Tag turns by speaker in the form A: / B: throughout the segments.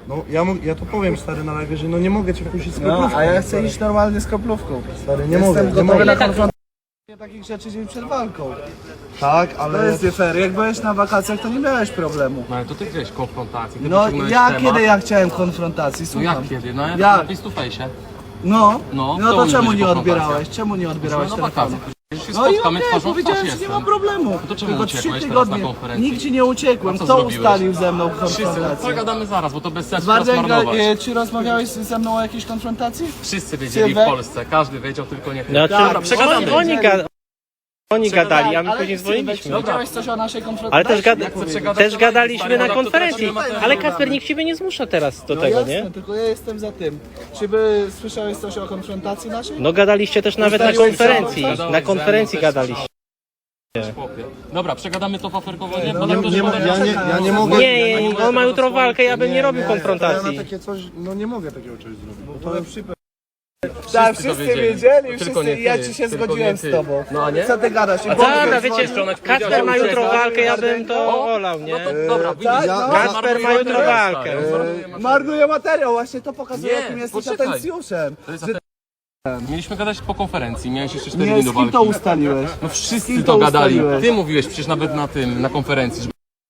A: No ja to powiem, stary, na live, że no nie mogę cię puścić z
B: No,
A: kroplówką.
B: a ja chcę iść normalnie z kroplówką.
A: Stary, nie mogę.
B: Jestem gotowy na
C: tak-
B: konfrontację takich rzeczy dzień przed walką.
A: Tak,
B: To
A: ale...
B: jest nie fair. Jak byłeś na wakacjach, to nie miałeś problemu.
D: No ale to ty chciałeś konfrontacji. Ty
B: No
D: wyciągnąłeś
B: ja
D: temat.
B: kiedy ja chciałem konfrontacji,
D: No
B: słucham.
D: jak kiedy? No
B: Jak?
D: na face to face.
B: No,
D: No,
B: no
D: to
B: to
D: nie
B: czemu
D: będzie
B: nie
D: konfrontacja.
B: odbierałeś? Czemu nie odbierałeś
D: No
B: telefonu?
D: wakacje. Przecież się
B: No i
D: spotkamy
B: okej,
D: twarzą w
B: powiedziałem,
D: twarz
B: że nie
D: jestem.
B: ma problemu.
D: to czemu
B: Tylko
D: uciekłeś
B: 3
D: teraz na
B: tygodnie.
D: konferencji?
B: Nigdzie nie uciekłem.
D: A co
B: Kto
D: zrobiłeś?
B: ustalił ze mną
D: Wszyscy, no
B: konfrontację?
D: pogadamy zaraz, bo to bez sensu
B: Bartek,
D: rozmarnować.
B: czy rozmawiałeś ze mną o jakiejś konfrontacji?
D: Wszyscy wiedzieli w
B: Sylwek?
D: Polsce, każdy wiedział, tylko nie ty.
C: No,
D: Dobra,
C: czy
D: przegadamy.
C: oni gadali, a my
B: Ale
C: później
B: Sylwek,
C: dzwoniliśmy.
B: Wiedziałeś coś o naszej konfrontacji?
C: Ale też,
D: chcę przegadać,
C: też
D: to
C: gadaliśmy
D: stary,
C: na
D: no to
C: konferencji.
D: tracimy
C: Ale
D: materiał.
C: Kacper, nikt ciebie nie zmusza teraz do
B: No
C: tego,
B: jasne,
C: nie?
B: tylko ja jestem za tym. Czy by słyszałeś coś o konfrontacji naszej?
C: No gadaliście też nawet na
B: Ustaliłeś
C: konferencji.
B: się?
C: Na konferencji gadaliście.
D: Chłopie. Dobra, przegadamy to waferkowo, nie?
B: No,
D: Potem to
A: Nie, ja nie mogę...
C: Nie, on ma jutro walkę, ja bym nie robił
A: Ja
C: konfrontacji.
A: na takie coś, no nie mogę takiego czegoś zrobić. Bo to
B: Tak,
D: Wszyscy to
B: wszyscy
D: wiedzieli.
B: wiedzieli,
D: Tylko nie
B: wszyscy, ja
D: ty,
B: ci się
D: tylko
B: zgodziłem
D: nie ty.
B: z tobą.
D: No a nie?
B: Co ty gadasz? I
C: Dobra,
B: powiedz,
C: wiecie, Kacper ma jutro walkę, ja bym to olał, nie?
D: No to dobra, widzisz,
B: tak,
D: ja-
B: no.
C: Kacper ma jutro walkę.
B: Marnuje materiał, właśnie to pokazuje,
D: Nie,
B: jakim jesteś
D: poczekaj.
B: atencjuszem.
D: To jest Mieliśmy gadać po konferencji, miałeś jeszcze 4
B: Nie,
D: dni
B: z
D: do
B: kim
D: walki.
B: to ustaliłeś?
D: No
B: Z
D: wszyscy
B: kim
D: to
B: to
D: gadali.
B: ustaliłeś?
D: Ty mówiłeś przecież nawet na konferencji, że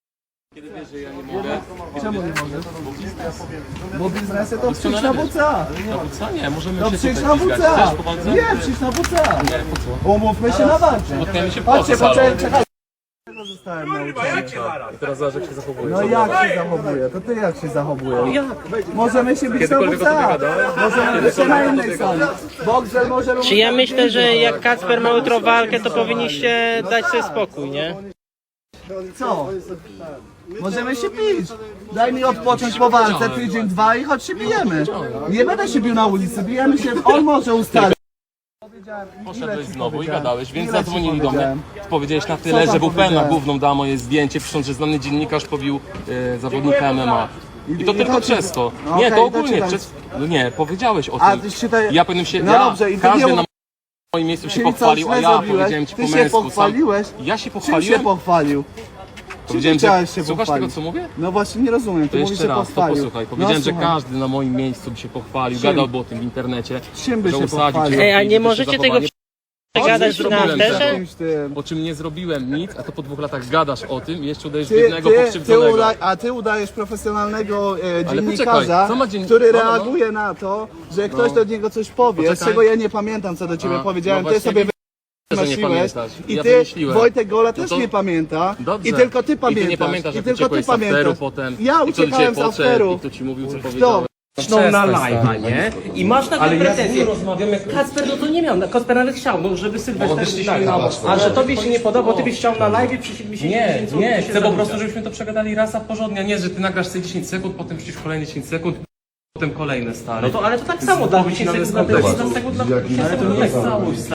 B: Czemu nie możesz? Bo biznesy to przyjdź na WCA.
D: co nie, możemy
B: To
D: się
B: przyjdź
D: tutaj
B: na
D: ścigać.
B: WCA.
D: Chcesz po walce?
B: Nie, przyjdź na WCA.
D: Nie, po co?
B: Umówmy się na walkę.
D: Spotkajmy się
B: Chodźcie,
D: poza salą.
B: czekaj. Zostałem nauczony.
D: I teraz zobacz jak się zachowujesz.
B: No jak się zachowuje? To ty jak się zachowujesz? Możemy się bić na
D: Kiedykolwiek o
B: WCA.
D: tobie gadałem?
B: Możemy bić się na innej sali. Boxer może...
C: Czy ja myślę, że jak Kacper ma jutro walkę, to powinniście dać sobie spokój, nie?
B: Co? Możemy się bić. Daj mi odpocząć po walce, tydzień, 2 i chodź się bijemy. Nie będę się bił na ulicy, bijemy się, on może ustalić.
D: Poszedłeś znowu i gadałeś, więc
B: Ile ci
D: zadzwonili do mnie.
B: powiedziałem?
D: Powiedziałeś na tyle,
B: tam
D: że WP na
B: powiedziałem?
D: główną da moje zdjęcie, pisząc, że znany dziennikarz pobił zawodnika MMA. I to tylko
B: to
D: przez to.
B: No
D: Nie,
B: okej,
D: to
B: to
D: ogólnie
B: czytaj.
D: przez... No nie, powiedziałeś o
B: A
D: tym.
B: ty czytaj...
D: Ja powinienem się...
B: No
D: ja,
B: dobrze, i ty
D: każdy
B: nie-
D: na moim miejscu się
B: Czyli co,
D: pochwalił, a
B: źle
D: ja
B: zrobiłeś?
D: powiedziałem ci
B: Ty
D: po
B: się
D: męsku.
B: pochwaliłeś?
D: Ja się
B: Czym się
D: pochwaliłem?
B: pochwalił?
D: Powiedziałem,
B: chciałeś
D: że...
B: się
D: Słuchasz
B: pochwalić?
D: tego, co mówię?
B: No właśnie nie rozumiem,
D: To
B: ty mówisz,
D: jeszcze
B: że
D: raz, to
B: pochwalił.
D: posłuchaj. Powiedziałem, że
B: słucham.
D: każdy na moim miejscu by się pochwalił,
B: Czym?
D: gadałby o tym w internecie.
B: Czym by
D: że
B: się
D: usadził
B: pochwalił?
D: cię,
C: Ej, a
D: żeby
C: nie
D: się
C: możecie tego
D: zachowanie-
C: przegadać
D: nie
C: na
D: zrobiłem
C: afterze?
D: tego.
B: Jakimś tym.
D: Po czym nie zrobiłem nic, a to po 2 latach gadasz o tym i jeszcze udajesz
B: Ty,
D: biednego, pokrzywdzonego.
B: a ty udajesz profesjonalnego
D: Ale
B: dziennikarza,
D: poczekaj, co ma
B: który
D: no.
B: reaguje na to, że ktoś do niego coś powie,
D: Poczekaj.
B: czego ja nie pamiętam, co do ciebie
D: A,
B: powiedziałem.
D: no
B: Ty
D: właśnie
B: sobie
D: że nie
B: wymyśliłeś
D: pamiętasz.
B: i
D: Ja
B: ty,
D: wymyśliłem.
B: Wojtek Gola
D: No
B: też
D: to-
B: nie pamięta
D: Dobrze.
B: i tylko ty
D: I ty
B: pamiętasz.
D: nie pamiętasz, jak
B: tylko ty
D: uciekłeś z afteru
B: pamiętasz.
D: potem.
B: Ja
D: I kto do ciebie
B: uciekałem z
D: podszedł
B: afteru.
D: i kto ci mówił, co
B: Kto?
D: powiedziałeś.
C: Zaczną na live'a, nie? I masz takie pretensje. Kacper no to nie miał, Kacper nawet chciał, no żeby Sylwester a że tobie się nie podoba, ty byś chciał na live'ie przysiedli się
D: Nie, chcę po prostu, żebyśmy to przegadali raz a porządnie. Nie, że ty nagrasz sobie 10 sekund, potem przecież kolejne 10 sekund, potem kolejne stare.
C: No to ale to tak samo, dla 10 sekund dla tego, 15 sekund dla... Ale to nie jest całość.